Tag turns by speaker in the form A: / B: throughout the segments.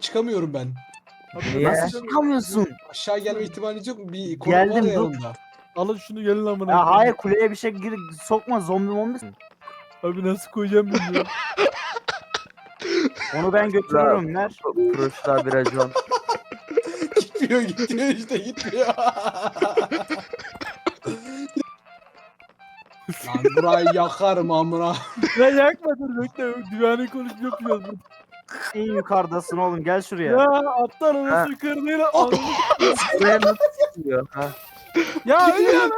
A: çıkamıyorum ben.
B: Niye?
C: Nasıl çıkamıyorsun?
A: Aşağı gelme ihtimaliniz yok mu? Bir konu var
B: Geldim,
A: ya
B: dur.
A: yanımda.
D: Alın şunu gelin amına.
B: Ya
D: koyayım.
B: hayır, kuleye bir şey sokma, zombi mombi.
D: Abi nasıl koyacağım bilmiyorum.
B: Onu ben götürürüm, ver.
C: Proşlar bir racon.
A: Gitmiyor işte gitmiyor. Lan burayı yakarım amına.
D: Ya yakma dur bekle. Düvani konuşma yapıyoruz. burada.
B: En yukarıdasın oğlum, gel şuraya.
D: Ya aptal orası kırdığıyla.
C: Buraya nasıl çıkıyor? Ha?
D: Ya ölüyorum.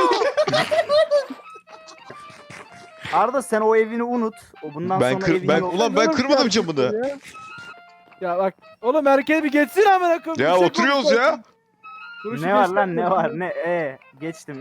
B: Arda sen o evini unut. O bundan
E: Ben
B: sonra
E: kır-
B: evin
E: ben-
B: yok.
E: Ulan ben kırmadım camını.
D: Ya bak oğlum herkes bir geçsin amına koyayım.
E: Ya
D: Bir şey
E: oturuyoruz
D: konuşalım.
E: ya.
D: Duruşu
B: Ne var
D: geçtim.
B: lan, ne var, ne geçtim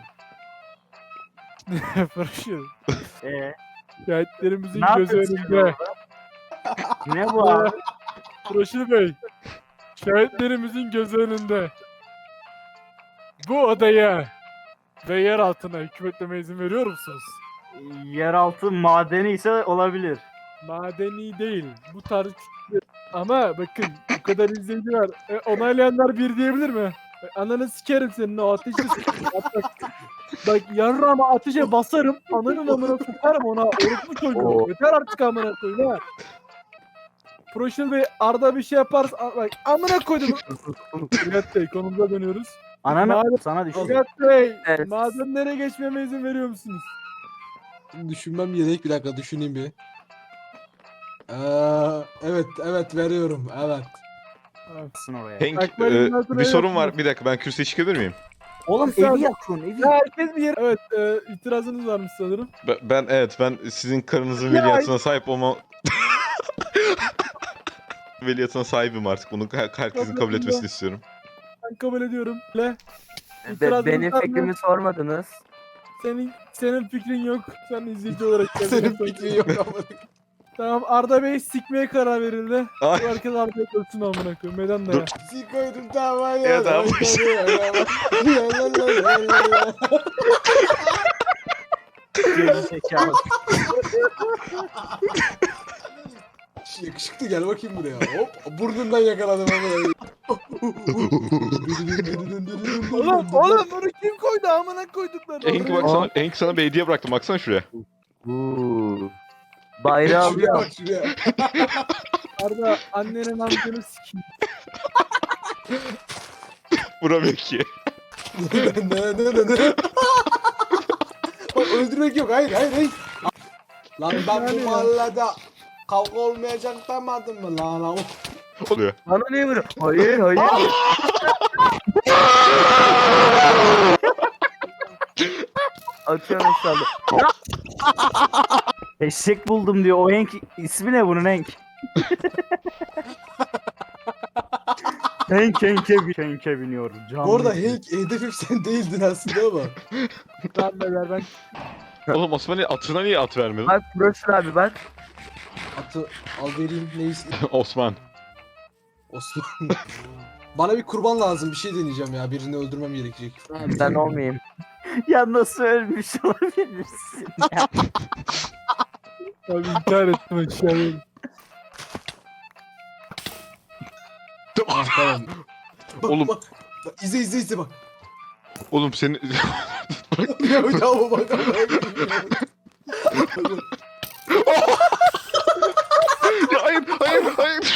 D: Fırışıyor. Şahitlerimizin
B: Ne
D: gözü
B: yapıyorsun şimdi
D: önünde.
B: Ne bu abi?
D: Fırışır Bey. Şahitlerimizin gözü önünde. Bu odaya ve yer altına hükmetmeme izin veriyor musunuz?
B: Yeraltı madeni ise olabilir.
D: Madeni değil. Bu tarz ama bakın bu kadar izleyici var. Onaylayanlar bir diyebilir mi? Ananı sikerim senin o ateşi bak yarrağıma ateşe basarım. Ananın amına sokarım ona. Orospu çocuğu.
C: Oo.
D: Yeter artık amına koyayım ha. Proşil Bey Arda bir şey yaparsa bak amına koydum. Nihat Bey konumuza dönüyoruz.
B: Ananı
D: Madem-
B: sana düşüyor.
D: Nihat Bey
C: Evet.
D: madenlere geçmeme izin veriyor musunuz?
A: Düşünmem gerek, bir dakika düşüneyim bir. Evet veriyorum evet.
B: Oraya.
E: Henk
D: Bak, ben bundan
E: bir sorun
D: sonra
E: var. Bir dakika ben kürsüye çıkabilir miyim?
B: Oğlum
D: Sen-
B: evi yakıyorsun, evi.
D: Ya herkes bir yer. Evet itirazınız varmış sanırım.
E: Ben sizin karınızın
D: Ya-
E: veliahtına sahip olma... Veliahtına sahibim artık. Bunu herkesin kabul etmesini istiyorum.
D: Ben kabul ediyorum. İtirazınız
C: Benim
D: var mı?
C: fikrimi sormadınız.
D: Senin fikrin yok. Sen izleyici olarak geldin.
A: Senin fikrin yok amına.
D: Tamam Arda Bey sikmeye karar verildi.
E: Ay.
D: Bu herkes Arda'ya görsün amına koyayım. Neden de
E: Dur.
D: ya?
A: Sikoydum tamam ya.
E: Ya tamam.
B: Zekalı.
A: Yakışıklı gel bakayım buraya. Hop burnundan yakaladım amına.
D: Oğlum bunu kim koydu amına koydukları?
E: Henk baksana, Henk sana bir hediye bıraktım. Baksana şuraya.
C: Uuu. Bayrağı
A: Şuraya
C: alıyor.
A: bak şuraya.
D: Arda annenin amcanı sikeyim.
E: Vuramıyor ki.
A: Ne? Bak öldürmek yok, hayır. Lan ben bu mahallede kavga olmayacak demedim mi lan?
E: Oluyor.
C: Bana niye vuruyor? Hayır. Atıyorum inşallah.
B: Eşek buldum diyor. O Hank ismi ne bunun Hank? Hank'e biniyor. Canlı
A: Bu arada
B: izliyor.
A: Hank hedefim sen değildin aslında ama.
D: Lan beyler ben
E: Oğlum Osman'ın atına niye at vermedin?
C: Bak Proşlar abi bak.
A: Atı al vereyim neyiz?
E: Osman.
A: Osman. Bana bir kurban lazım, bir şey deneyeceğim ya. Birini öldürmem gerekecek.
C: Ben olmayayım.
B: Ya nasıl ölmüş olabilirsin ya?
D: abi intihar ettim aşağıya.
A: Ah, tamam. Bak,
E: Oğlum.
A: bak. Bak, izle bak.
E: Oğlum seni...
A: Ya bak.